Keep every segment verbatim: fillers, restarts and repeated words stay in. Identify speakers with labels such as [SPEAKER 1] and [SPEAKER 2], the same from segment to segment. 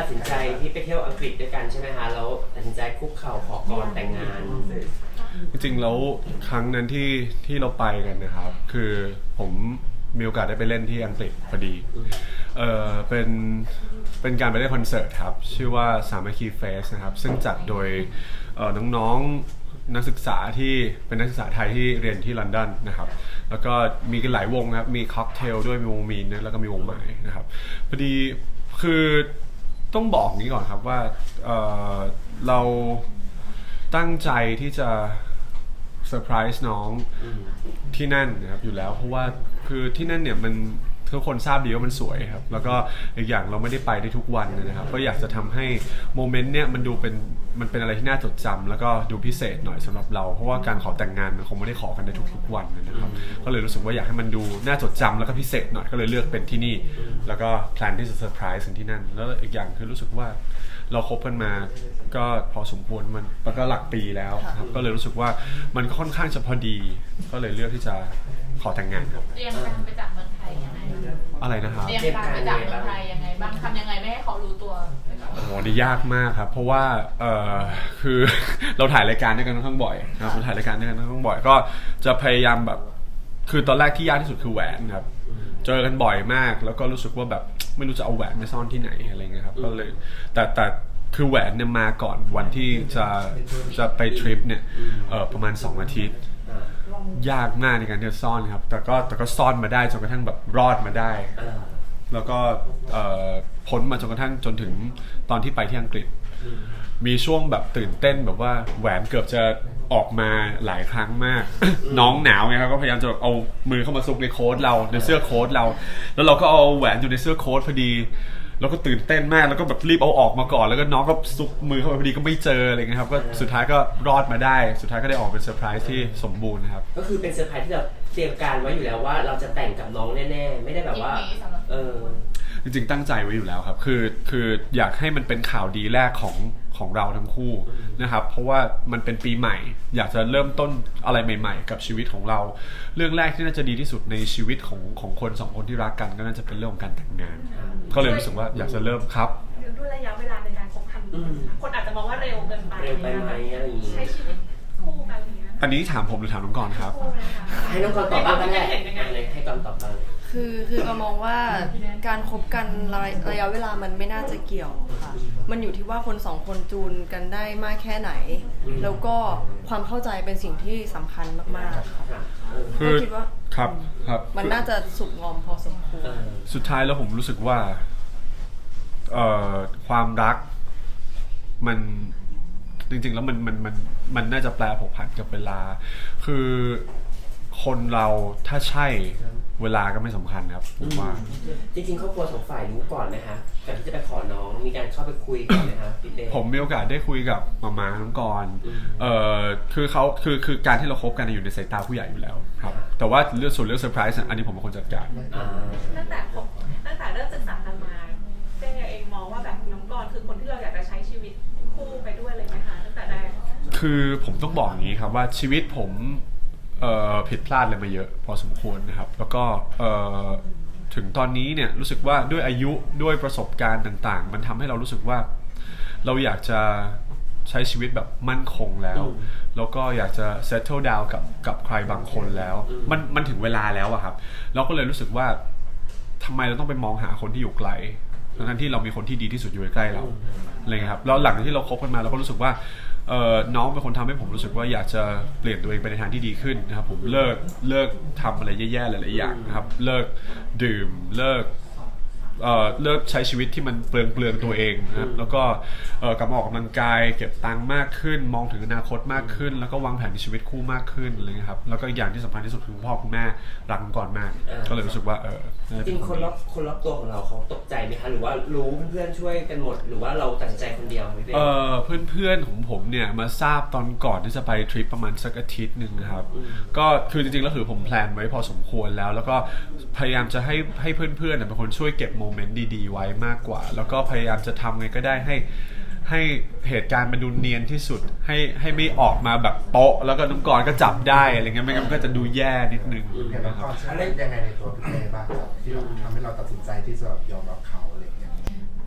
[SPEAKER 1] ตัดสินใจที่ไปเที่ยวอังกฤษด้วยกันใช่ไหมคะแล้วตัดสินใจคุกเข่าขอกรแต่งงาน
[SPEAKER 2] จริงๆแล้วครั้งนั้นที่ที่เราไปกันนะครับคือผมมีโอกาสได้ไปเล่นที่อังกฤษพอดีเออเป็นเป็นการไปเล่นคอนเสิร์ตครับชื่อว่าสามัคคีเฟสนะครับซึ่งจัดโดยน้องๆนักศึกษาที่เป็นนักศึกษาไทยที่เรียนที่ลอนดอนนะครับแล้วก็มีกันหลายวงครับมีค็อกเทลด้วยมีวงมีนแล้วก็มีวงใหม่นะครับพอดีคือต้องบอกนี้ก่อนครับว่า เ, เราตั้งใจที่จะเซอร์ไพรส์น้องที่นั่นนะครับอยู่แล้วเพราะว่าคือที่นั่นเนี่ยมันทุกคนทราบดีว่ามันสวยครับแล้วก็อีกอย่างเราไม่ได้ไปได้ทุกวันนะครับก็อยากจะทำให้โมเมนต์เนี่ยมันดูเป็นมันเป็นอะไรที่น่าจดจำแล้วก็ดูพิเศษหน่อยสำหรับเราเพราะว่าการขอแต่งงานมันคงไม่ได้ขอกันในทุกๆวันนะครับก็เลยรู้สึกว่าอยากให้มันดูน่าจดจำแล้วก็พิเศษหน่อยก็เลยเลือกเป็นที่นี่แล้วก็แพลนที่จะเซอร์ไพรส์ที่นั่นแล้วอีกอย่างคือรู้สึกว่าเราคบกันมาก็พอสมควรมันแล้วก็หลักปีแล้วครับก็เลยรู้สึกว่ามันค่อนข้างจะพอดีก็เลยเลือกที่จะขอแต่งงานครับ
[SPEAKER 3] เตรียมการไปจากเมืองไทยยังไง
[SPEAKER 2] อะไรนะครับ
[SPEAKER 3] เตรียมการไปจากเมืองไทยยังไงบ้างทำยังไงไม่ให้เขารู้ตัว
[SPEAKER 2] โอ้โหนี่ยากมากครับเพราะว่าเออคือ เราถ่ายรายการด้วยกันค่อนข้างบ่อยนะครับเราถ่ายรายการด้วยกันค่อนข้างบ่อยก็จะพยายามแบบคือตอนแรกที่ยากที่สุดคือแหวนครับเจอกันบ่อยมากแล้วก็รู้สึกว่าแบบไม่รู้จะเอาแหวนไปซ่อนที่ไหนอะไรเงี้ยครับก็เลยแต่แต่คือแหวนเนี่ยมาก่อนวันที่จะจะไปทริปเนี่ยเออประมาณสองอาทิตย์ยากมากในการที่จะซ่อนครับแต่ก็แต่ก็ซ่อนมาได้จนกระทั่งแบบรอดมาได้แล้วก็พ้นมาจนกระทั่งจนถึงตอนที่ไปที่อังกฤษมีช่วงแบบตื่นเต้นแบบว่าแหวนเกือบจะออกมาหลายครั้งมาก น้องหนาวไงครับก็พยายามจะเอามือเข้ามาซุกในโค้ทเราในเสื้อโค้ทเราแล้วเราก็เอาแหวนอยู่ในเสื้อโค้ทพอดีแล้วก็ตื่นเต้นมากแล้วก็แบบรีบเอาออกมาก่อนแล้วก็น้องก็ซุกมือเข้าไปพอดีก็ไม่เจออะไรเงี้ยครับก็สุดท้ายก็รอดมาได้สุดท้ายก็ได้ออกเป็นเซอร์ไพรส์ที่สมบูรณ์นะครับ
[SPEAKER 1] ก็คือเป็นเซอร์ไพรส์ที่เราเตรียมการไว้อยู่แล้วว่าเราจะแต่งกับน้องแน่ๆไม่ได้แบบว่าเออ
[SPEAKER 2] จริงๆตั้งใจไว้อยู่แล้วครับคือคืออยากให้มันเป็นข่าวดีแรกของของเราทั้งคู่นะครับเพราะว่ามันเป็นปีใหม่อยากจะเริ่มต้นอะไรใหม่ๆกับชีวิตของเราเรื่องแรกที่น่าจะดีที่สุดในชีวิตของของคนสองคนที่รักกันก็น่าจะเป็นเรื่องของการแต่งงานก็เลยรู้สึกว่าอยากจะเริ่มครับ
[SPEAKER 4] ด้วยระยะเวลาในการคบกันคนอาจจะมองว่าเร็วเกินไป
[SPEAKER 1] เร็วไปไหมอะไรอย่างงี้
[SPEAKER 4] ใช้ชีวิตคู่กันอย่างเงี้ย
[SPEAKER 2] อันนี้ถามผมหรือถามน้องกรณ์ครับ
[SPEAKER 1] ให้น้องกรณ์ตอบบ้างก็ได้ให้กรณ์ตอบบ้าง
[SPEAKER 5] คือคือเรามองว่าการคบกันระยะเวลามันไม่น่าจะเกี่ยวค่ะมันอยู่ที่ว่าคนสองคนจูนกันได้มากแค่ไหนแล้วก็ความเข้าใจเป็นสิ่งที่สำคัญมากๆค่ะ
[SPEAKER 2] คือ
[SPEAKER 5] คิดว่า
[SPEAKER 2] ครับครับ
[SPEAKER 5] มันน่าจะสุกงอมพอสมควร
[SPEAKER 2] สุดท้ายแล้วผมรู้สึกว่าเอ่อความรักมันจริงๆแล้วมันมันมันมันน่าจะแปลผกผันกับเวลาคือคนเราถ้าใช่เวลาก็ไม่สำคัญครับผมว่า
[SPEAKER 1] จริงๆครอบครัวสองฝ่ายรู้ก่อนไหมคะก่อนที่จะไปขอน้องมีการเข้าไปคุยก่อนไหมคะพี่เต้
[SPEAKER 2] ผมมีโอกาสได้คุยกับมาม่าน้องกรณ์เอ่อคือเขาคือคือการที่เราคบกันอยู่ในสายตาผู้ใหญ่อยู่แล้วครับแต่ว่าเรื่องส่วนเรื่องเซอร์ไพรส์อันนี้ผมเป็นคนจัดการ
[SPEAKER 4] ตั้งแต่ผมตั้งแต่เริ่มศึกษากันมาเต้เองมองว่าแบบน้องกรณ์คือคนที่เราอยากจะใช้ชีวิตคู่ไปด้วยเลยไหมคะตั้งแต่แรก
[SPEAKER 2] คือผมต้องบอกอย่างนี้ครับว่าชีวิตผมผิดพลาดอะไรมาเยอะพอสมควรนะครับแล้วก็ถึงตอนนี้เนี่ยรู้สึกว่าด้วยอายุด้วยประสบการณ์ต่างๆมันทำให้เรารู้สึกว่าเราอยากจะใช้ชีวิตแบบมั่นคงแล้วแล้วก็อยากจะ settle down กับกับใครบางคนแล้วมันมันถึงเวลาแล้วอะครับเราก็เลยรู้สึกว่าทำไมเราต้องไปมองหาคนที่อยู่ไกลทั้งที่เรามีคนที่ดีที่สุดอยู่ใกล้เราอะไรเงี้ยครับแล้วหลังจากที่เราคบกันมาเราก็รู้สึกว่าน้องเป็นคนทำให้ผมรู้สึกว่าอยากจะเปลี่ยนตัวเองไปในทางที่ดีขึ้นนะครับผมเลิกเลิกทำอะไรแย่ๆหลายๆอย่างนะครับเลิกดื่มเลิกเอ่อเลิกใช้ชีวิตที่มันเปลืองเปลืองตัวเองนะครับแล้วก็เอ่อกลับมาออกกำลังกายเก็บตังค์มากขึ้นมองถึงอนาคตมากขึ้นแล้วก็วางแผนในชีวิตคู่มากขึ้นอะไรเงี้ยครับแล้วก็อีกอย่างที่สำคัญที่สุดคือพ่อคุณแม่รักกันก่อนมากก็เลยรู้สึกว่าเออ
[SPEAKER 1] จริงคนรอบคนรอบตัวของเราเขาตกใจไหมคะหรือว่ารู้เพื่อนๆช่วยกันหมดหรือว่าเราตัดสินใจคนเดียว
[SPEAKER 2] เออเพื่อนๆของผมเนี่ยมาทราบตอนก่อนที่จะไปทริปประมาณสักอาทิตย์นึงนะครับก็คือจริงๆแล้วคือผมแพลนไว้พอสมควรแล้วแล้วก็พยายามจะให้ให้เพื่อนๆเป็นคนช่วยเก็บโมเมนต์ดีๆไว้มากกว่าแล้วก็พยายามจะทำไงก็ได้ให้ให้เหตุการณ์มันดูเนียนที่สุดให้ให้ไม่ออกมาแบบโป๊ะแล้วก็น้องกรณ์ก็จับได้อะไรเงี้ยไม่งั้นมันก็จะดูแย่นิดนึง
[SPEAKER 6] นะครับอะไรยังไงในตัวพี่เต้บ้างครับที่ทำให้เราตัดสินใจที่จะยอมรับเขาอะไรเงี้ย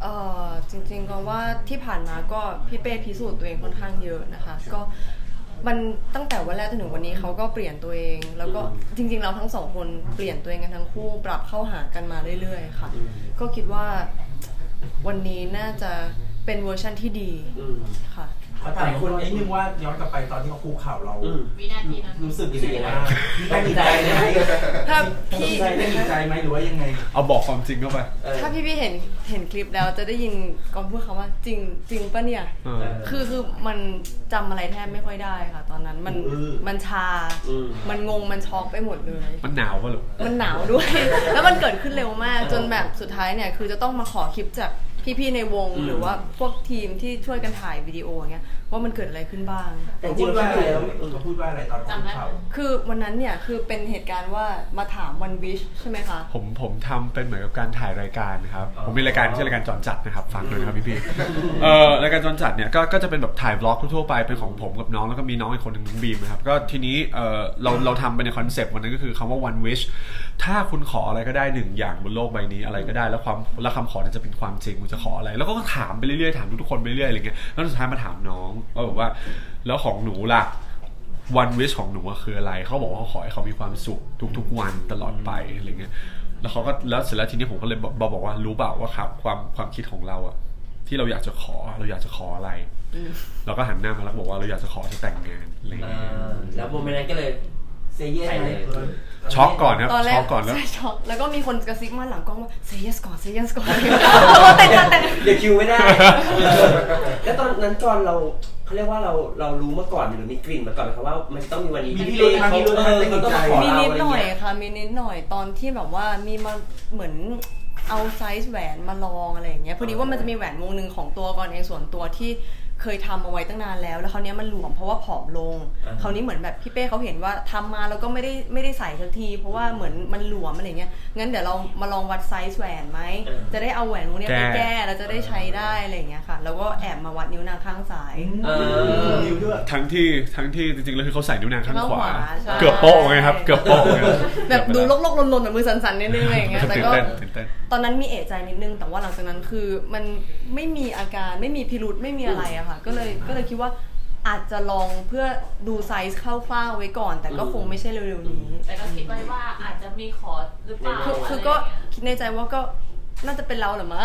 [SPEAKER 5] เอ่อจริงๆก็ว่าที่ผ่านมาก็พี่เป้พิสูจน์ตัวเองค่อนข้างเยอะนะคะก็มันตั้งแต่วันแรกจนถึงวันนี้เขาก็เปลี่ยนตัวเอง แล้วก็จริงๆเราทั้งสองคนเปลี่ยนตัวเองกันทั้งคู่ปรับเข้าหากันมาเรื่อยๆค่ะก็คิดว่าวันนี้น่าจะเป็นเวอร์ชันที่ดีค่ะ
[SPEAKER 6] ขอถามคนนิดนึงว่าย้อนกลับไปตอนที่เขาคุกเข่าเรา
[SPEAKER 3] วินาทีนั้น
[SPEAKER 6] รู้สึกยังไงบ้างตั้งใจไหม
[SPEAKER 5] ถ้า
[SPEAKER 6] ตั้
[SPEAKER 5] พี่
[SPEAKER 6] งใจได้ดีใจไหมหรือว่ายังไง
[SPEAKER 2] เอาบอกความจริงเข้าไป
[SPEAKER 5] ถ้าพี่พี่เห็นเห็นคลิปแล้วจะได้ยินกองพูดคำว่าจริงจริงปะเนี่ย
[SPEAKER 2] เออ
[SPEAKER 5] คือคือมันจำอะไรแทบไม่ค่อยได้ค่ะ ตอนนั้นมัน
[SPEAKER 6] อืม
[SPEAKER 5] มันชา มันงงมันช็อกไปหมดเลย
[SPEAKER 2] มันหนาวป่ะลูก
[SPEAKER 5] มันหนาวด้วย แล้วมันเกิดขึ้นเร็วมาก จนแบบสุดท้ายเนี่ยคือจะต้องมาขอคลิปจากพี่ๆในวง
[SPEAKER 1] อืม
[SPEAKER 5] หรือว่าพวกทีมที่ช่วยกันถ่ายวิดีโออย่างเงี้ยว่ามันเกิดอะไรขึ้นบ้าง
[SPEAKER 1] แต่จ
[SPEAKER 6] พู
[SPEAKER 1] ริง
[SPEAKER 6] ด
[SPEAKER 1] ๆ
[SPEAKER 6] ว่า
[SPEAKER 1] แล้ว
[SPEAKER 6] อะไร
[SPEAKER 1] แล้ว
[SPEAKER 6] เขาพูดว่าอะไรตอนคุกเข่า
[SPEAKER 5] คือวันนั้นเนี่ยคือเป็นเหตุการณ์ว่ามาถามวันวิชใช่ไหมคะ
[SPEAKER 2] ผมผมทำเป็นเหมือนกับการถ่ายรายการครับ
[SPEAKER 6] อ๋อ
[SPEAKER 2] ผมมีรายการที่ชื่อรายการจอนจัดนะครับฟังด้วยนะครับพี่ๆเอ่อรายการจอนจัดเนี่ยก็ก็จะเป็นแบบถ่ายบล็อกทั่วๆไปเป็นของผมกับน้องแล้วก็มีน้องอีกคนหนึ่งน้องบีมนะครับก็ทีนี้เอ่อเราเราทำไปในคอนเซปต์วันนั้นก็คือคำว่า one wish ถ้าคุณขออะไรก็ได้หนึ่งอย่างบนโลกใบนี้อะไรก็ได้แล้วความแล้วคำขอนั้นจะเป็นความจริงคุณจะขออะไร แล้วก็ถามไปเรื่อยๆถามทุกๆคนไปเรื่อยๆอะไรเงี้ยแล้วสุดท้ายมาถามน้องว่าแบบว่าแล้วของหนูล่ะ one wish ของหนูคืออะไรเขาบอกว่าเขาขอให้เขามีความสุขทุกๆวันตลอดไปอะไรเงี้ยแล้วเขาก็แล้วเสร็จแล้วทีนี้ผมก็เลยบอกบอกว่ารู้เปล่าว่าครับความความคิดของเราอะที่เราอยากจะขอเราอยากจะขออะไรเราก็หันหน้ามาแล้วบอกว่าเราอยากจะขอจะแต่งงานอะไรเงี้ย
[SPEAKER 1] แล้วโมเมนต์นั้นก็เลยเซเยสเลย
[SPEAKER 2] ช็อกก่อนครับ
[SPEAKER 5] ตอนแร
[SPEAKER 2] ช็
[SPEAKER 5] ก
[SPEAKER 2] อกก่อนแล้ว
[SPEAKER 5] ใช่ช็อกแล้วก็มีคนกระซิบมาหลังกล้องว่า say yes ก่อน say yes ก่อน แต่งแต่ง
[SPEAKER 1] เดี๋ยวคิวไม่ได้ แล้วตอนนั้นจอนเราเขาเรียกว่าเราเรารู้มาก่อนหรือมีกลิ่นมาก่อนไหมครับว่ามันต้องมีวันนี้
[SPEAKER 6] มีพี่เล็ก
[SPEAKER 1] เขา
[SPEAKER 6] มีรุ่น
[SPEAKER 1] เออเขาต้องมาขอ
[SPEAKER 5] มี
[SPEAKER 1] เรา
[SPEAKER 5] นิด
[SPEAKER 1] อะไร
[SPEAKER 5] หน่อย
[SPEAKER 1] เงี้ย
[SPEAKER 5] ค่ะมีนิดหน่อยตอนที่แบบว่ามีมาเหมือนเอาไซส์แหวนมาลองอะไรอย่างเงี้ยพอดีว่ามันจะมีแหวนวงหนึ่งของตัวก่อนเองส่วนตัวที่เคยทำเอาไว้ตั้งนานแล้วแล้วคราวนี้มันหลวมเพราะว่าผอมลงคราวนี้เหมือนแบบพี่เป้เขาเห็นว่าทำมาแล้วก็ไม่ได้ไม่ได้ใส่สักทีเพราะว่าเหมือนมันหลวมอะไรเงี้ยงั้นเดี๋ยวเรามาลองวัดไซส์แหวนไหมจะได้เอาแหวนวงนี้ไปแก้แล้วจะได้ใช้ได้อะไรอย่างเงี้ยค่ะแล้วก็แอบมาวัดนิ้วนางข้างซ้าย
[SPEAKER 1] เออ
[SPEAKER 6] นิ้วด้วย
[SPEAKER 2] ทั้งที่ทั้งที่จริงๆแล้วคือเขาใส่นิ้วนางข้างขวา
[SPEAKER 5] ข้างขวาใช่
[SPEAKER 2] เกือบโป๊ะไงครับเกือบโป๊ะไง
[SPEAKER 5] แบบดูลกๆลนๆแบบมือสั่นๆนิดนึงอะไรอย่างเงี้ยแต่
[SPEAKER 2] ตื่น
[SPEAKER 5] ก็
[SPEAKER 2] เต้นตื่นเต้น
[SPEAKER 5] ตอนนั้นมีเอะใจนิดนึงแต่ว่าหลังจากนั้นคือมันไม่มีอาการไม่มีพิรุธไม่มีอะไรอะค่ะก็เลยก็เลยคิดว่าอาจจะลองเพื่อดูไซส์คร่าวๆไว้ก่อน แต่ก็คงไม่ใช่เร็วๆนี้
[SPEAKER 3] แต่ก็คิดไว้ว่าอาจจะมีขอหรือเปล่า
[SPEAKER 5] คือคือก็คิดในใจว่าก็น่าจะเป็นเราแหรือมั้ง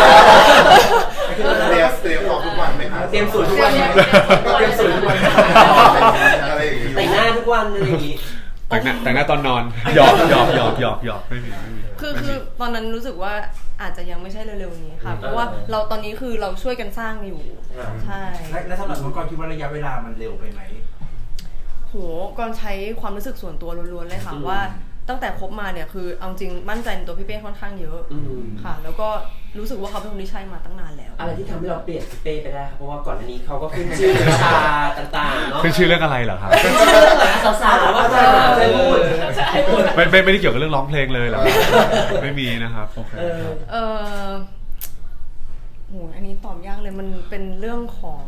[SPEAKER 7] เตรียมเตรียมของทุกวันไหมครับ
[SPEAKER 1] เตรียมสูตรทุกวัน
[SPEAKER 3] เตรียม
[SPEAKER 1] เตรียมสูตรทุกวัน
[SPEAKER 7] อะไรอย่างงี้
[SPEAKER 1] แต่งหน้าทุกวันอะไรอย่างงี้
[SPEAKER 2] แต่งหน้าแต่งหน้าตอนนอนหยอกหยอกหยอกหยอกหยอกไม่มีไม่มี
[SPEAKER 5] คือคือตอนนั้นรู้สึกว่าอาจจะยังไม่ใช่เร็วๆนี้ค่ะ
[SPEAKER 1] อืม
[SPEAKER 5] เพราะว่าเราตอนนี้คือเราช่วยกันสร้างอยู่
[SPEAKER 1] อ่า
[SPEAKER 5] ใช่
[SPEAKER 6] และและสำหรับน้องกรคิดว่าระยะเวลามันเร็วไปไหม
[SPEAKER 5] โหก่อนใช้ความรู้สึกส่วนตัวล้วนๆเลยค่ะว่าตั้งแต่คบมาเนี่ยคือเอาจริงมั่นใจในตัวพี่เป้ค่อนข้างเยอะ
[SPEAKER 1] อืม
[SPEAKER 5] ค่ะ แล้วก็รู้สึกว่าเขาเป็นคนที่ใช่มาตั้งนานแล้ว
[SPEAKER 1] อะไรที่ทำให้เราเปลี่ยนพี่เป้ไปได้ครับเพราะว่าก่อนหน้านี้เขาก็ขึ้นชื่อวิชาต่างๆเนาะ
[SPEAKER 2] ขึ้นชื่อเรื่องอะไรเหรอครับ
[SPEAKER 1] สาวๆว่าจะใช่พูดใช่พูด
[SPEAKER 2] ไม่ไม่ไม่ได้เกี่ยวกับเรื่องร้องเพลงเลยเหรอไม่มีนะครับโอเค
[SPEAKER 1] เออ
[SPEAKER 5] เออโหอันนี้ตอบยากเลยมันเป็นเรื่องของ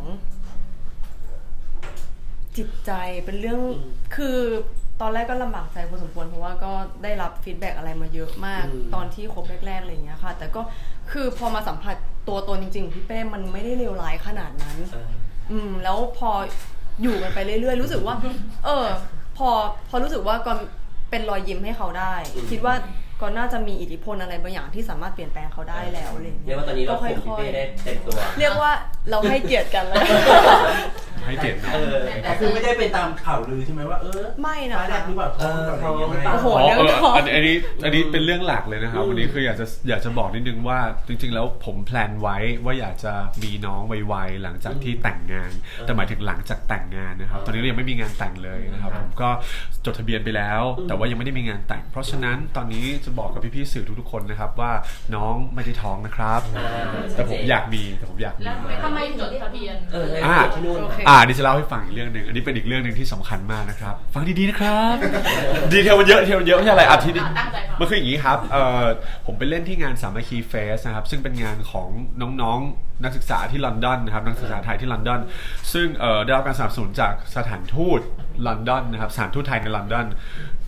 [SPEAKER 5] จิตใจเป็นเรื่องคือตอนแรกก็ลำบากใจพอสมควรเพราะว่าก็ได้รับฟีดแบ็กอะไรมาเยอะมาก
[SPEAKER 1] อืม
[SPEAKER 5] ตอนที่คบแรกๆอะไรอย่างเงี้ยค่ะ แต่ก็คือพอมาสัมผัสตัวตนจริงๆพี่เป้มันไม่ได้เลวร้ายขนาดนั้น
[SPEAKER 1] เออ
[SPEAKER 5] อืมแล้วพออยู่กันไปเรื่อยๆรู้สึกว่า เออ พอพอรู้สึกว่าก่อนเป็นรอยยิ้มให้เขาได้ คิดว่าก่อนน่าจะมีอิทธิพลอะไรบางอย่างที่สามารถเปลี่ยนแปลงเขาได้แล้วอะไรอย่าง
[SPEAKER 1] เรี
[SPEAKER 5] เงี้
[SPEAKER 1] ย
[SPEAKER 5] ย
[SPEAKER 1] กว่าตอนนี้เรา
[SPEAKER 5] ก็
[SPEAKER 1] ข่มพี่
[SPEAKER 5] ค่อย
[SPEAKER 1] เป้ได้เต็มตัว
[SPEAKER 5] ๆเรียกว่าเราให้เกียรติกันแล้ว
[SPEAKER 2] ให้เกียรติน้อง
[SPEAKER 1] เออ
[SPEAKER 6] แต่คือไม่ได้เป็นตามข่าวลือใช่ไหมว่าเออ
[SPEAKER 5] ไม่นะ
[SPEAKER 6] ฟ้าแลบหรือเปล่าท้องหรือเปล่าอะไรอย่างเงี้ย
[SPEAKER 1] เออ
[SPEAKER 5] โอ้โห
[SPEAKER 2] อ๋อ
[SPEAKER 5] เรื่อง
[SPEAKER 2] เออ
[SPEAKER 5] ท้อง
[SPEAKER 2] อันอันนี้อันนี้เป็นเรื่องหลักเลยนะครับ วันนี้คืออยากจะอยากจะบอกนิดนึงว่าจริง ๆ แล้วผมแพลนไว้ว่าอยากจะมีน้องไวๆหลังจากที่แต่งงาน แต่หมายถึงหลังจากแต่งงานนะครับ ตอนนี้เรายังไม่มีงานแต่งเลยนะครับผมก็จดทะเบียนไปแล้ว แต่ว่ายังไม่ได้มีงานแต่ง เพราะฉะนั้นตอนนี้จะบอกกับพี่ๆสื่อทุกๆคนนะครับว่าน้องไม่ได้ท้องนะครับ
[SPEAKER 1] อ่า
[SPEAKER 2] แต่ผมอยากมีแต่ผมอยากมี
[SPEAKER 3] แล้วทำไมจดทะเบียน
[SPEAKER 1] เออ
[SPEAKER 2] อ่า
[SPEAKER 1] ที่นู่น
[SPEAKER 5] โอเค
[SPEAKER 2] อ่านี่จะเล่าให้ฟังอีกเรื่องหนึ่งอันนี้เป็นอีกเรื่องหนึ่งที่สำคัญมากนะครับ ฟังดีๆนะครับ ดีเทลมันเยอะดีเทลมันเยอะไม่ใช่อะไรอาทิตย์นี้
[SPEAKER 3] ตั้งใจฟัง
[SPEAKER 2] มันคืออย่างนี้ครับเอ่อผมไปเล่นที่งานสามัคคีเฟสนะครับซึ่งเป็นงานของน้องๆนักศึกษาที่ลอนดอนนะครับนักศึกษาไทยที่ลอนดอนซึ่งเอ่อได้รับการสนับสนุนจากสถานทูตลอนดอนนะครับสถานทูตไทยในลอนดอน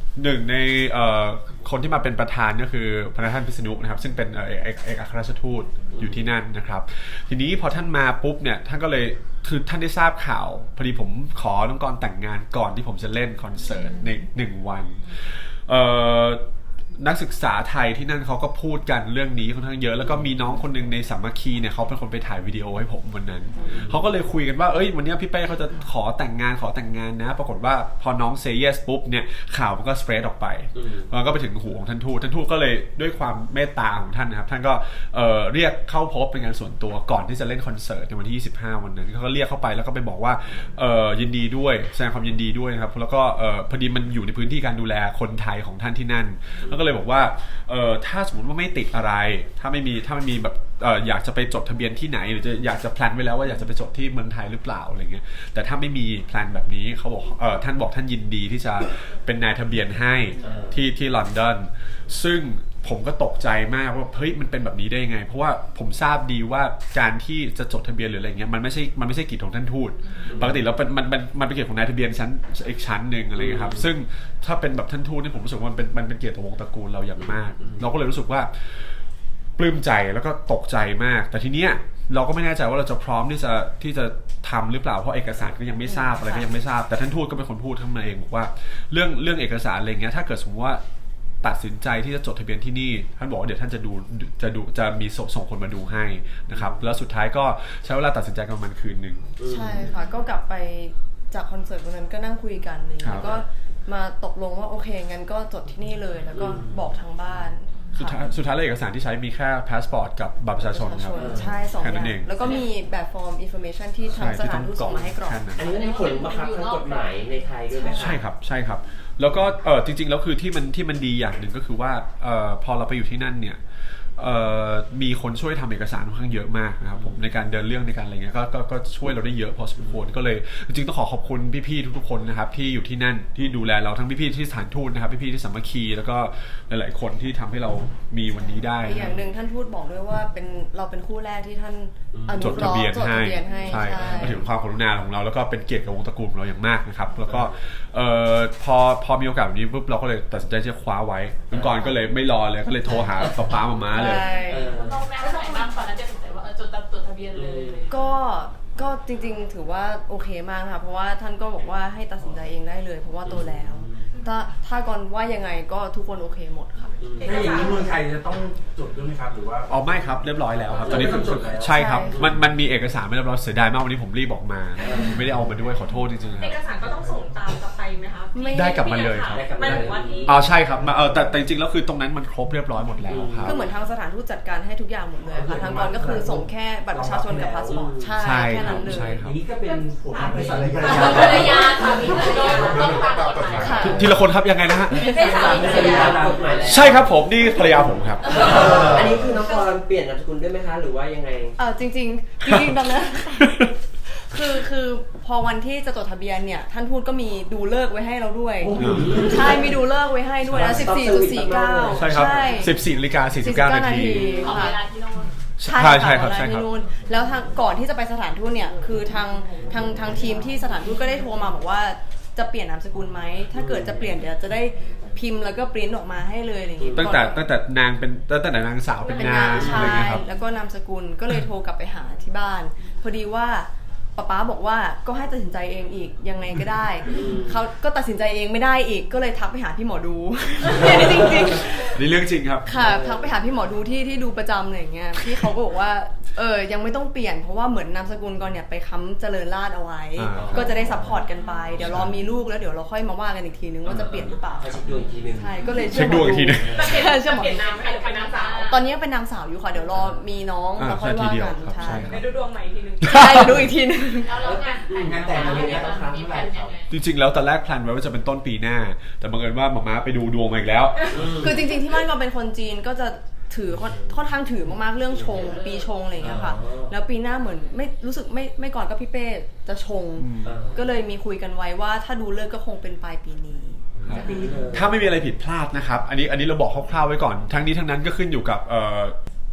[SPEAKER 2] หนึ่งในเอ่อคนที่มาเป็นประธานก็คือพระท่านพิษณุนะครับซึ่งเป็นเอ่อเอกเอกอัครราชทูตอยู่ที่นั่นนะครับทีนี้พอท่านมาปุ๊บเนี่ยท่านก็เลยคือท่านได้ทราบข่าวพอดีผมขอน้องกรแต่งงานก่อนที่ผมจะเล่นคอนเสิร์ตในหนึ่งวันเอ่อนักศึกษาไทยที่นั่นเขาก็พูดกันเรื่องนี้ค่อนข้างเยอะแล้วก็มีน้องคนหนึงในสามัคคีเนี่ยเขาเป็นคนไปถ่ายวิดีโอให้ผมวันนั้นเขาก็เลยคุยกันว่าเอ้ยวันนี้พี่เป้เขาจะขอแต่งงานขอแต่งงานนะปรากฏว่าพอน้องเซย์เยสปุ๊บเนี่ยข่าวมันก็สเปรดออกไปมันก็ไปถึงหูของท่านทูตท่านทูตก็เลยด้วยความเมตตาของท่านนะครับท่านก็เอ่อเรียกเข้าพบเป็นงานส่วนตัวก่อนที่จะเล่นคอนเสิร์ตในวันที่ยี่สิบห้าวันนั้นเขาก็เรียกเข้าไปแล้วก็ไปบอกว่าเอ่อยินดีด้วยแสดงความยินดีด้วยนะครับแล้วก็เอ่อพอดีมันอยู่ในพื้นที่การดูแลคนไทยของท่านที่นั่นแล้วก็เลยบอกว่าเอ่อถ้าสมมติว่าไม่ติดอะไรถ้าไม่มีถ้าไม่มีแบบเอ่ออยากจะไปจดทะเบียนที่ไหนหรือจะอยากจะแพลนไว้แล้วว่าอยากจะไปจดที่เมืองไทยหรือเปล่าอะไรเงี้ยแต่ถ้าไม่มีแพลนแบบนี้เขาบอกเอ่อท่านบอกท่านยินดีที่จะเป็นนายทะเบียนให้ที่ที่ลอนดอนซึ่งผมก็ตกใจมากว่าเฮ้ยมันเป็นแบบนี้ได้ยังไงเพราะว่าผมทราบดีว่าการที่จะจดทะเบียนหรืออะไรเงี้ยมันไม่ใช่มันไม่ใช่กิจของท่านทูตปกติแล้วมันมันมันเป็นเกียรติของนายทะเบียนชั้นอีกชั้นหนึ่งอะไรเงี้ยครับซึ่งถ้าเป็นแบบท่านทูตนี่ผมรู้สึกว่ามันเป็นมันเป็นเกียรติของวงตระกูลเราอย่างมากเราก็เลยรู้สึกว่าปลื้มใจแล้วก็ตกใจมากแต่ทีเนี้ยเราก็ไม่แน่ใจว่าเราจะพร้อมที่จะที่จะทำหรือเปล่าเพราะเอกสารก็ยังไม่ทราบอะไรก็ยังไม่ทราบแต่ท่านทูตก็เป็นคนพูดขึ้นมาเองบอกว่าเรื่องเรื่องเอกสารอะไรเงี้ยถ้าเกิดสมมติว่าตัดสินใจที่จะจดทะเบียนที่นี่ท่านบอกว่าเดี๋ยวท่านจะดูจะดูจะมีส่งส่งคนมาดูให้นะครับแล้วสุดท้ายก็ใช้เวลาตัดสินใจกันประมาณคืนนึง
[SPEAKER 5] ใช่ค่ะก็กลับไปจากคอนเสิร์ตวันนั้นก็นั่งคุยกันเลยแล้วก็มาตกลงว่าโอเคงั้นก็จดที่นี่เลยแล้วก็บอกทางบ้าน
[SPEAKER 2] สุดท้ายสุดท้ายแล้วเอกสารที่ใช้มีแค่พาสปอร์ตกับบัตรประชาชนครับ
[SPEAKER 5] ใช่สองอย่างแล้วก็มีแบบฟอร์มอินโฟเมชันที่ทางสถานทูตส่งมาให้กรอก
[SPEAKER 1] อันนี้มีผลบังคับทางกฎหมายในไทยด้วยไหมคะ
[SPEAKER 2] ใช่ครับใช่ครับแล้วก็เออจริงๆแล้วคือที่มันที่มันดีอย่างหนึ่งก็คือว่าเออพอเราไปอยู่ที่นั่นเนี่ยเอ่อมีคนช่วยทำเอกสารค่อนข้างเยอะมากนะครับผมในการเดินเรื่องในการอะไรเงี้ยก็ก็ก็ช่วยเราได้เยอะพอสมควรก็เลยจริงๆต้องขอขอบคุณพี่ๆทุกๆคนนะครับที่อยู่ที่นั่นที่ดูแลเราทั้งพี่ๆที่สถานทูตนะครับพี่ๆที่สามัคคีแล้วก็หลายๆคนที่ทำให้เรามีวันนี้ได้
[SPEAKER 5] อย่างหนึ่งท่านทูตบอกด้วยว่าเป็นเราเป็นคู่แรกที่ท่าน
[SPEAKER 2] จดทะเบียนให้
[SPEAKER 5] ใช่
[SPEAKER 2] มาถึงความกรุณาของเราแล้วก็เป็นเกียรติกับวงตระกูลของเราอย่างมากนะครับแล้วก็เอ่อพอพอมีโอกาสแบบนี้ปุ๊บเราก็เลยตัดสินใจจะคว้าไว้น้องกรก็เลยไม่รอเลยก็เลยโทรหาป๊าป๊ามาม่าเลย
[SPEAKER 3] น้องแม่ก็ไหนบ้างตอนนั้นจะตัดสินใจว่าจดจดทะเบียนเลย
[SPEAKER 5] ก็ก็จริงๆถือว่าโอเคมากค่ะเพราะว่าท่านก็บอกว่าให้ตัดสินใจเองได้เลยเพราะว่าโตแล้วถ้าถ้าก่อนว่ายังไงก็ทุกคนโอเคหมดค่ะ
[SPEAKER 6] ถ้าอย่างนี้เมืองไทยจะต้องจดด้วยไหมครับหรือว่า
[SPEAKER 2] อ๋อไม่ครับเรียบร้อยแล้วครับตอนนี้ใช่ครับมันมันมีเอกสารไม่เรียบร้อยเสียดายมากวันนี้ผมรีบออกมาไม่ได้เอามาด้วยขอโทษจริงๆครับ
[SPEAKER 4] เอกสารก็ต้องส่งตามกลับไปไหมคะ
[SPEAKER 2] ได้กลับมาเลยครับ
[SPEAKER 4] ไม่ถึงว่าที่
[SPEAKER 2] อ๋อใช่ครับเออแต่แต่จริงๆแล้วคือตรงนั้นมันครบเรียบร้อยหมดแล้วครับ
[SPEAKER 5] คือเหมือนทางสถานทูตจัดการให้ทุกอย่างหมดเลยค่ะทางก่อนก็คือส่งแค่บัตรประชาชนกับพาสปอร์ตใช่แค่นั้นเลย
[SPEAKER 6] อย่างนี้ก็เป็นผมเป็นภรรยา
[SPEAKER 3] ภรรยาค่ะมีภรรยาต้องตามกฎหมาย
[SPEAKER 2] ทีละคนครับยังไงนะฮะ
[SPEAKER 3] เป็นสามีภรรยาตามกฎหมาย
[SPEAKER 2] ใช่ครับผมนี่ภรรยาผมครับ
[SPEAKER 1] อันนี้คือน้องกรเปลี่ยนนามสกุลด้วยไหมคะหรือว่ายังไง
[SPEAKER 5] เออจริงๆจริงๆตอนนั้นคือคือพอวันที่จะจดทะเบียนเนี่ยท่านทูตก็มีดูเลิกไว้ให้เราด้วยใช่มีดูเลิกไว้ให้ด้วยนะ สิบสี่จุดสี่เก้า
[SPEAKER 2] ใช่ครับ สิบสี่นาฬิกาสี่สิบเก้านาที
[SPEAKER 3] ของเวลาที่โน่น
[SPEAKER 5] ใช่ใช่ครับใช่ครับแล้วทางก่อนที่จะไปสถานทูตเนี่ยคือทางทางทางทีมที่สถานทูตก็ได้โทรมาบอกว่าจะเปลี่ยนนามสกุลไหมถ้าเกิดจะเปลี่ยนเดี๋ยวจะได้พิมพ์แล้วก็ปริ้นออกมาให้เลยอะไรอย่างงี้
[SPEAKER 2] ตั้งแต่ตั้งแต่นางเป็นตั้งแต่นางสาวเป็นนางอะไรเงี้ยครับ
[SPEAKER 5] แล้วก็นามสกุลก็เลยโทรกลับไปหาที่บ้านพอดีว่าป๊าป๊าบอกว่าก็ให้ตัดสินใจเองอีกยังไงก็ได้เขาก็ตัดสินใจเองไม่ได้อีกก็เลยทักไปหาพี่หมอดูนี่จริง
[SPEAKER 2] ๆนี่เรื่องจริงครับ
[SPEAKER 5] ค่ะทักไปหาพี่หมอดูที่ที่ดูประจำอะไรอย่างเงี้ยพี่เขาก็บอกว่าเออยังไม่ต้องเปลี่ยนเพราะว่าเหมือนนามสกุลก่อนเนี่ยไปค้ำเจริญราษฎร์เอาไว้ก็จะได้ซัพพอร์ตกันไปเดี๋ยวรอมีลูกแล้วเดี๋ยวเราค่อยมาว่ากันอีกทีนึงว่าจะเปลี่ยนหรือเปล่า
[SPEAKER 1] เช็คดวงอีกทีนึง
[SPEAKER 5] ใช่ก็เลย
[SPEAKER 2] เช็คดวงอีกทีนึง
[SPEAKER 5] เชื่อหมอ
[SPEAKER 4] เปลี่ยนนามให้เป็นนางสาว
[SPEAKER 5] ตอนนี้เป็นนางสาวอยู่ค่ะเดี๋ยวรอมีน้องแล้วค่อยว่ากัน
[SPEAKER 2] ใช่
[SPEAKER 4] เดี๋ยวดูดวงใหม่อีกทีนึง
[SPEAKER 5] ใช่เดี๋ยวดูอีกทีนึง
[SPEAKER 3] แล้วงาน
[SPEAKER 6] งานแต่งอะไรเนี่ยครับ
[SPEAKER 3] มีแผนยังไง
[SPEAKER 2] จริงๆแล้วตอนแรกแพลนไว้ว่าจะเป็นต้นปีหน้าแต่บังเอิญว่าหม่าม้าไปดูดวงมาอีกแล้ว
[SPEAKER 5] คือจริงๆที่บ้านก็เป็นคนจีนก็จะถือค่อนข้างถือมากๆเรื่องชงปีชงอะไรอย่างเงี้ยค่ะแล้วปีหน้าเหมือนไม่รู้สึกไม่ไม่ก่อนก็พี่เป้จะชงก็เลยมีคุยกันไว้ว่าถ้าดูเลิกก็คงเป็นปลายปีนี้
[SPEAKER 2] ถ้าไม่มีอะไรผิดพลาดนะครับอันนี้อันนี้เราบอกคร่าวๆไว้ก่อนทั้งนี้ทั้งนั้นก็ขึ้นอยู่กับ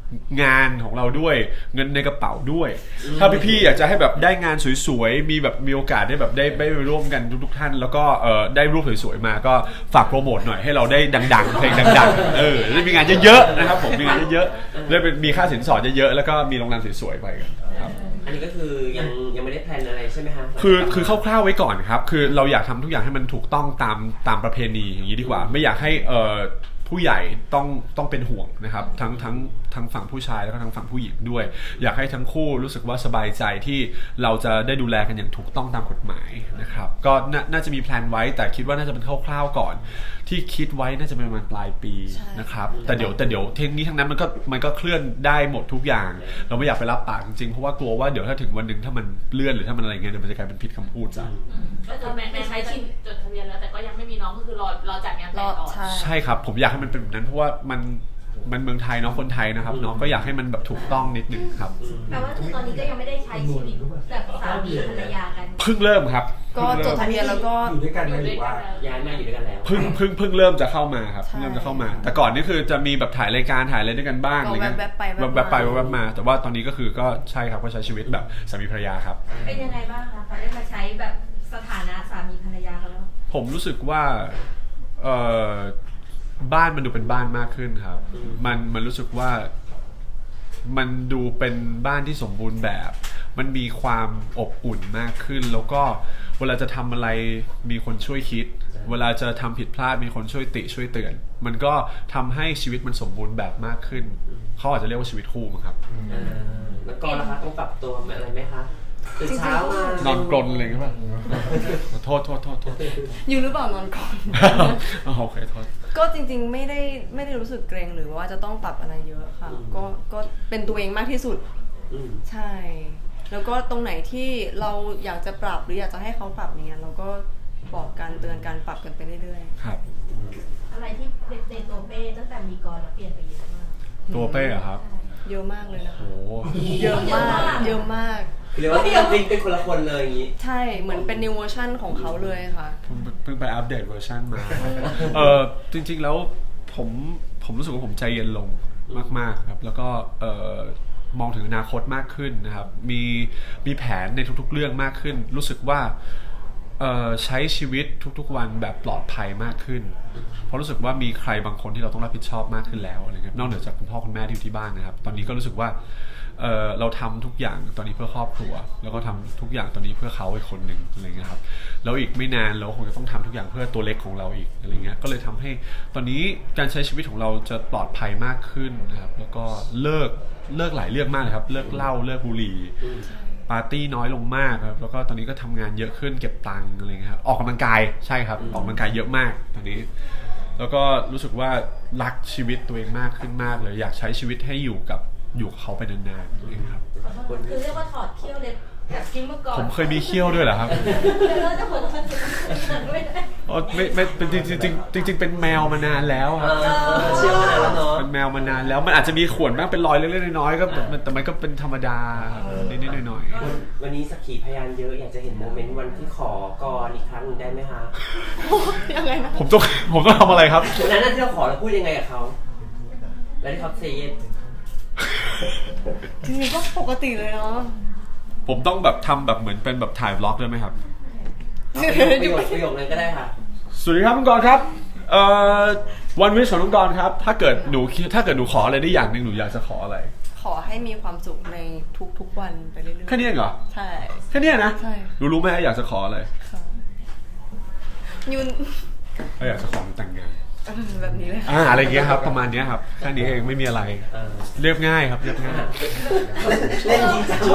[SPEAKER 2] งานของเราด้วยเงินในกระเป๋าด้วย ถ้าพี่ๆอยากจะให้แบบได้งานสวยๆมีแบบมีโอกาสได้แบบได้ได้ไปร่วมกันทุกๆท่านแล้วก็เออได้รูปสวยๆมาก็ฝากโปรโมทหน่อยให้เราได้ดังๆเพลงดังๆเออได้มีงานเยอะๆนะครับผมมีงานเยอะๆได้มีค่าสินสอดเยอะๆแล้วก็มีโรงแรมสวยๆไปกันครับ
[SPEAKER 1] อันนี้ก็คือยังยังไม่ได้แพลนอะไรใช่ไหมคะ
[SPEAKER 2] คือคือคร่าวๆไว้ก่อนครับคือเราอยากทำทุกอย่างให้มันถูกต้องตามตามประเพณีอย่างนี้ดีกว่าไม่อยากให้เอ่อผู้ใหญ่ต้องต้องเป็นห่วงนะครับทั้งทั้งทั้งฝั่งผู้ชายแล้วก็ทั้งฝั่งผู้หญิงด้วยอยากให้ทั้งคู่รู้สึกว่าสบายใจที่เราจะได้ดูแลกันอย่างถูกต้องตามกฎหมายนะครับก็น่าน่าจะมีแพลนไว้แต่คิดว่าน่าจะเป็นคร่าวๆก่อนที่คิดไว้น่าจะเป็นประมาณปลายปีนะครับแต่เดี๋ยวแต่เดี๋ยวเทคนี้ทั้งนั้นมันก็มันก็เคลื่อนได้หมดทุกอย่างเราไม่อยากไปรับปากจริงๆเพราะว่ากลัวว่าเดี๋ยวถ้าถึงวันหนึ่งถ้ามันเลื่อนหรือถ้ามันอะไรเงี้ยเดี๋ยวมันจะกลายเป็นผิดคำพูดจ้ะ
[SPEAKER 3] ก็คือแม่ใช้ชินจดทะเบียนแล้วแต่ก็ยังไม่มีน้องก็คือรอรอจัดงานแต่งก่อน
[SPEAKER 5] ใช่
[SPEAKER 2] ใช่ครับผมอยากให้มันเป็นแบบนั้นเพราะว่ามันมันเมืองไทยเนาะคนไทยนะครับเนาะก็อยากให้มันแบบถูกต้องนิดนึงครับ
[SPEAKER 8] แปลว่าคือตอนนี้ก็ยังไม่ได้ใช้ชีวิตแบบสามีภรรยากัน
[SPEAKER 2] เพิ่งเริ่มครับ
[SPEAKER 5] ก็จดทะเบียนแล้วก็
[SPEAKER 6] อยู่ด้วยกันไหมหรือว่า
[SPEAKER 1] ย้ายมาอยู่ด้วยกันแล้ว
[SPEAKER 2] เพิ่งเพิ่งเพิ่งเริ่มจะเข้ามาครับ
[SPEAKER 5] ใช่
[SPEAKER 2] เริ่มจะเข้ามา แต่ก่อนนี่คือจะมีแบบถ่ายรายการถ่ายอะไรด้วยกันบ้าง
[SPEAKER 5] ก็
[SPEAKER 2] อะไรเงี้ย
[SPEAKER 5] แวบๆไปแวบๆมา
[SPEAKER 2] แวบๆไปแวบๆมา แต่ว่าตอนนี้ก็คือก็ใช่ครับก็ใช้ชีวิตแบบสามีภรรยาครับ
[SPEAKER 8] เป็นยังไงบ้างคะพอได้มาใช้แบบสถานะสามีภรรยากันแล้ว
[SPEAKER 2] ผมรู้สึกว่าเอ่อบ้านมันดูเป็นบ้านมากขึ้นครับ มันมันรู้สึกว่ามันดูเป็นบ้านที่สมบูรณ์แบบ มันมีความอบอุ่นมากขึ้น แล้วก็เวลาจะทำอะไรมีคนช่วยคิด เวลาจะทำผิดพลาดมีคนช่วยติช่วยเตือน มันก็ทำให้ชีวิตมันสมบูรณ์แบบมากขึ้น เขาอาจจะเรียกว่าชีวิตคู่มั้งครับ
[SPEAKER 1] อ่าแล้วก็นะคะต้องปรับตัวอะไรไหมคะตื่นเช้ามาน
[SPEAKER 2] อนกรนอะไรอย่างเงี้ยป่ะโทษโทษโทษโทษ
[SPEAKER 5] อยู่หรือเปล่านอนก่อน
[SPEAKER 2] อ๋อโอเคโทษ
[SPEAKER 5] ก็จริงๆไม่ได้ไม่ได้รู้สึกเกรงหรือว่าจะต้องปรับอะไรเยอะค่ะ ก็ก็เป็นตัวเองมากที่สุด
[SPEAKER 1] อืม
[SPEAKER 5] ใช่ แล้วก็ตรงไหนที่เราอยากจะปรับหรืออยากจะให้เขาปรับเนี่ยเราก็บอกกันเตือนกันปรับกันไปเรื่อย
[SPEAKER 2] ครับ
[SPEAKER 8] อะไรที่ในตัวเป้ตั้งแต่มีกรแล้วเปลี่ยนไปเยอะมาก
[SPEAKER 2] ตัวเป้เหรอครับ
[SPEAKER 5] ๆ เยอะมากเลยนะคะ
[SPEAKER 2] โอ้โห
[SPEAKER 5] เยอะมากเยอะมาก
[SPEAKER 1] เรียกว่าเป็นเป็นคนละคนเลยอย่างนี้
[SPEAKER 5] ใช่เหมือนเป็น new version ของเขาเลยค่ะ
[SPEAKER 2] เพิ่งเพิ่งไปอัปเดตเวอร์ชันมา เออจริงๆแล้วผมผมรู้สึกว่าผมใจเย็นลงมากๆครับ แล้วก็เออมองถึงอนาคตมากขึ้นนะครับ มีมีแผนในทุกๆเรื่องมากขึ้น รู้สึกว่าเออใช้ชีวิตทุกๆวันแบบปลอดภัยมากขึ้น เพราะรู้สึกว่ามีใครบางคนที่เราต้องรับผิดชอบมากขึ้นแล้วอะไรเงี้ยนอกเหนือจากคุณพ่อคุณแม่ที่อยู่ที่บ้านนะครับ ตอนนี้ก็รู้สึกว่าเออเราทำทุกอย่างตอนนี้เพื่อครอบครัว แล้วก็ทำทุกอย่างตอนนี้เพื่อเขาอีกคนหนึ่งอะไรเงี้ยครับแล้วอีกไม่นานเราคงจะต้องทำทุกอย่างเพื่อตัวเล็กของเราอีกอะไรเงี้ยก็เลยทำให้ตอนนี้การใช้ชีวิตของเราจะปลอดภัยมากขึ้นนะครับแล้วก็เลิกเลิกหลายเรื่องมากเลยครับเลิกเหล้าเลิกบุหรี่ปาร์ตี้น้อยลงมากครับแล้วก็ตอนนี้ก็ทำงานเยอะขึ้นเก็บตังค์อะไรเงี้ยครับออกกำลังกายใช่ครับออกกำลังกายเยอะมากตอนนี้แล้วก็รู้สึกว่ารักชีวิตตัวเองมากขึ้นมากเลยอยากใช้ชีวิตให้อยู่กับอยู่กับเขาไปนานๆนะครับ
[SPEAKER 8] คือเรียกว่าถอดเขี้ยวเลยจากที่เมื่อก่อน
[SPEAKER 2] ผมเคยมีเขี้ยวด้วยเหรอครับ
[SPEAKER 8] เลิกจะหมดแล้วไม่ได้
[SPEAKER 2] อ๋อไม่ไม่เป็นจริงจริงจริงจริงๆเป็นแมวมานานแล้วครับ
[SPEAKER 1] เออเชื่อมานานแล้วเนาะ
[SPEAKER 2] เป็นแมวมานานแล้วมันอาจจะมีข่วนบ้างเป็นรอยเล็กๆน้อยๆก็แต่มันแต่มันก็เป็นธรรมดาครับนิดๆหน่อย
[SPEAKER 1] วันวันนี้สักขีพยานเยอะอยากจะเห็นโมเมนต์วันที่ขอกรอีกครั้งหนึ่งได้ไหมคะ
[SPEAKER 5] ยังไงนะ
[SPEAKER 2] ๆผมต้องผมต้องทำอะไรครับ
[SPEAKER 1] วันนั้นที่เราขอเราพูดยังไงกับเขาแล้วที่เขาเซเยส
[SPEAKER 5] จริงๆก็ปกติเลยเนาะ
[SPEAKER 2] ผมต้องแบบทำแบบเหมือนเป็นแบบถ่ายบล็อกด้วยไหมครับ
[SPEAKER 1] ประโยคประโยคนั้นก็ได้ค่ะ
[SPEAKER 2] สวัสดีครับน้องกรณ์ครับเอ่อวันวิชของน้องกรณ์ครับถ้าเกิดหนูถ้าเกิดหนูขออะไรได้อย่างหนึ่งหนูอยากจะขออะไร
[SPEAKER 5] ขอให้มีความสุขในทุกๆวันไปเรื่อยๆ
[SPEAKER 2] แค่นี้เองเหรอ
[SPEAKER 5] ใช่
[SPEAKER 2] แค่นี้นะ
[SPEAKER 5] ใช่
[SPEAKER 2] หนูรู้ไหมอยากจะขออะไร
[SPEAKER 5] ค่ะยุน
[SPEAKER 2] ก็อยากจะขอหนูแต่งงาน
[SPEAKER 5] เออแบบนี้เลย
[SPEAKER 2] อ่าอะไรอย่างเงี้ยครับประมาณเนี้ยครับแค่นี้เองไม่มีอะไร
[SPEAKER 1] เออ
[SPEAKER 2] เรียบง่ายครับเรียบง่าย
[SPEAKER 1] เล่นจริงจัง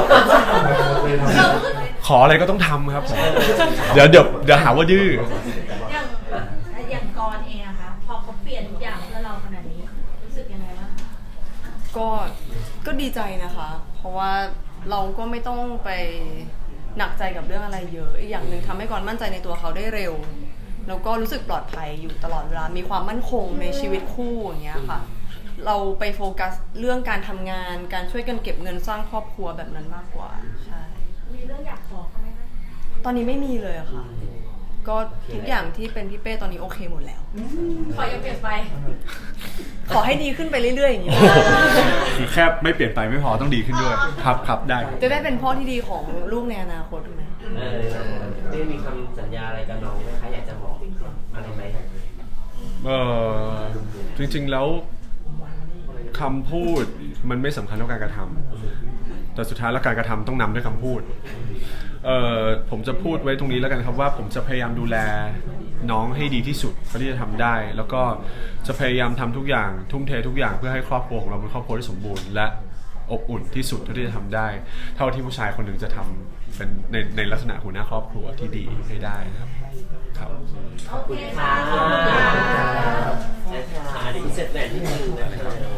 [SPEAKER 2] ขออะไรก็ต้องทำครับผมเดี๋ยวเดี๋ยวเดี๋ยวหาว่าดื้อ
[SPEAKER 8] อย่างอย่างกรเองอะคะพอเขาเปลี่ยนทุกอย่างเพื่อเราขนาดนี้รู้สึกยังไงบ้างคะ
[SPEAKER 5] ก็ก็ดีใจนะคะ เพราะว่าเราก็ไม่ต้องไปหนักใจกับเรื่องอะไรเยอะอีกอย่างหนึ่งทำให้ก่อนมั่นใจในตัวเขาได้เร็วแล้วก็รู้สึกปลอดภัยอยู่ตลอดเวลามีความมั่นคงในชีวิตคู่อย่างเงี้ยค่ะ เราไปโฟกัสเรื่องการทำงานการช่วยกันเก็บเงินสร้างครอบครัวแบบนั้นมากกว่าใช่
[SPEAKER 8] มีเรื่องอยากขอเขาไหมคะ
[SPEAKER 5] ตอนนี้ไม่มีเลยอะค่ะ ก็ทุกอย่างที่เป็นพี่เป้ตอนนี้โอเคหมดแล้ว
[SPEAKER 8] ขออย่าเปลี่ยนไป
[SPEAKER 5] ขขอให้ดีขึ้นไปเรื่อยๆอย่างนี้
[SPEAKER 2] คือแค่ไม่เปลี่ยนไปไม่พอต้องดีขึ้นด้วยครับครับได้ครับ
[SPEAKER 5] จะได้เป็นพ่อที่ดีของลูกในอนาคตถูกไหม
[SPEAKER 1] เออได้มีคำสัญญาอะไรกับน้องไหมคะอยากจะบอกอะไรไหม
[SPEAKER 2] เออจริงๆแล้วคำพูดมันไม่สำคัญเท่าการกระทำแต่สุดท้ายแล้วการกระทำต้องนำด้วยคำพูดเออผมจะพูดไว้ตรงนี้แล้วกันครับว่าผมจะพยายามดูแลน้องให้ดีที่สุดเท่าที่จะทำได้แล้วก็จะพยายามทำทุกอย่างทุ่มเททุกอย่างเพื่อให้ครอบครัวของเราเป็นครอบครัวที่สมบูรณ์และอบอุ่นที่สุดเท่าที่จะทำได้เท่าที่ผู้ชายคนหนึ่งจะทำเป็นในในลักษณะหัวหน้าครอบครัวที่ดีให้ได้ครับครับ
[SPEAKER 8] โอเคค่ะ
[SPEAKER 1] ค่ะอันนี้เสร็จแหวนที่หนึ่งนะครับ